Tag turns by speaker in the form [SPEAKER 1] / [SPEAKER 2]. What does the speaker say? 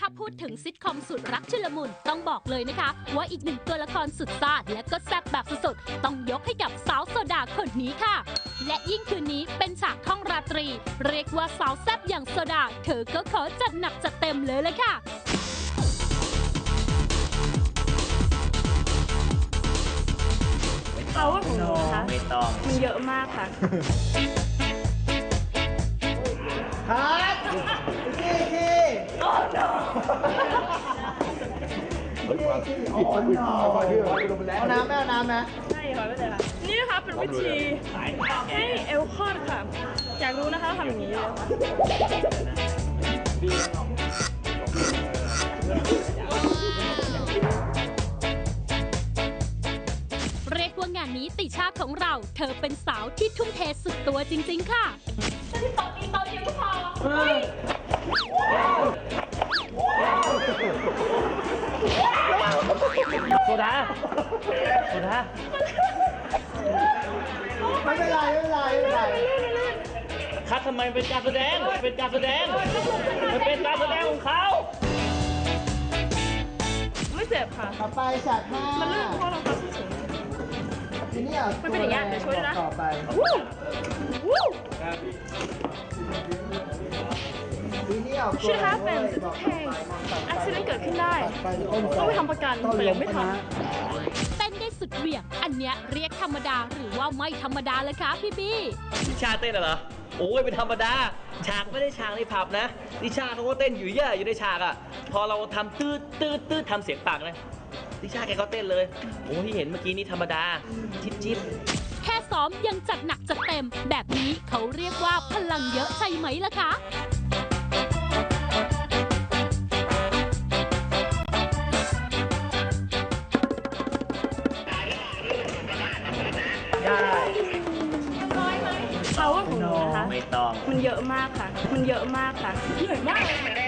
[SPEAKER 1] าพูดถึงซิทคอมสุดรักชุลมุนต้องบอกเลยนะคะว่าอีกหนึ่งตัวละครสุดซ่าและก็แซ่บแบบสุดๆต้องยกให้กับสาวโซดาคนนี้ค่ะ และยิ่งคืนนี้เป็นฉากท่องราตรี เรียกว่าสาวแซ่บอย่างโซดาเธอก็ขอจัดหนักจัดเต็มเลยค่ะ
[SPEAKER 2] เขาว่าของหนูนะคะ
[SPEAKER 3] ไม่ต้อง
[SPEAKER 2] มีเยอะมากค่ะ
[SPEAKER 4] ครับทีเอาน้ำไหมเอาน้ำไหม
[SPEAKER 2] ใช่ค่ะไม่เลยค่ะ นี่นะคะเป็นวิธีให้เอลคอดค่ะ อยากรู้นะคะทำอย่างนี้เลยค่ะ
[SPEAKER 1] เรียกว่างานนี้ติชาของเรา เธอเป็นสาวที่ทุ่มเทสุดตัวจริงๆค่ะ
[SPEAKER 3] โซดาโซดา
[SPEAKER 4] ไม่เป็นไรไม่เป็นไรไม่เป็นไร
[SPEAKER 3] คัดทำไมเป็นการแสดงเป็นการแสดงมันเป็นการแสดงของเขา
[SPEAKER 2] ไม่เจ็บค่ะ
[SPEAKER 4] ต่อไปฉากห้า
[SPEAKER 2] มันลื่นเพราะเราทำสูง
[SPEAKER 4] ทีนี้เอา
[SPEAKER 2] มันเป็นอย่างเงี้ยเดี๋ยวช่วยด้วยนะ
[SPEAKER 4] ต่อไป
[SPEAKER 2] วู้
[SPEAKER 4] ทีนี้เอา
[SPEAKER 2] ชื่อ happens it's okay accident เกิดขึ้นได้ต้องไปทำประกันแต่ยังไม่ทำ
[SPEAKER 1] เต้นได้สุดเหวี่ยง อันเนี้ยเรียกธรรมดาหรือว่าไม่ธรรมดาเลยคะพี่บี้
[SPEAKER 3] นิชาเต้นเหรอโอ้ยเป็นธรรมดาฉากไม่ได้ฉากในผับนะนิชาเขาก็เต้นอยู่เยอะอยู่ในฉากอ่ะพอเราทำตืดทำเสียงปากนะนิชาแกก็เต้นเลยโอ้ที่เห็นเมื่อกี้นี่ธรรมดาจิ๊บ
[SPEAKER 1] แค่ซ้อมยังจัดหนักจัดเต็ม แบบนี้เขาเรียกว่าพลังเยอะใช่ไหมล่ะคะ
[SPEAKER 3] ได้
[SPEAKER 2] เขาว่าของหนูนะคะ
[SPEAKER 3] ไม่ต้อง
[SPEAKER 2] มันเยอะมากค่ะ มันเยอะมากค่ะ เหนื่อยมากเลยค่ะ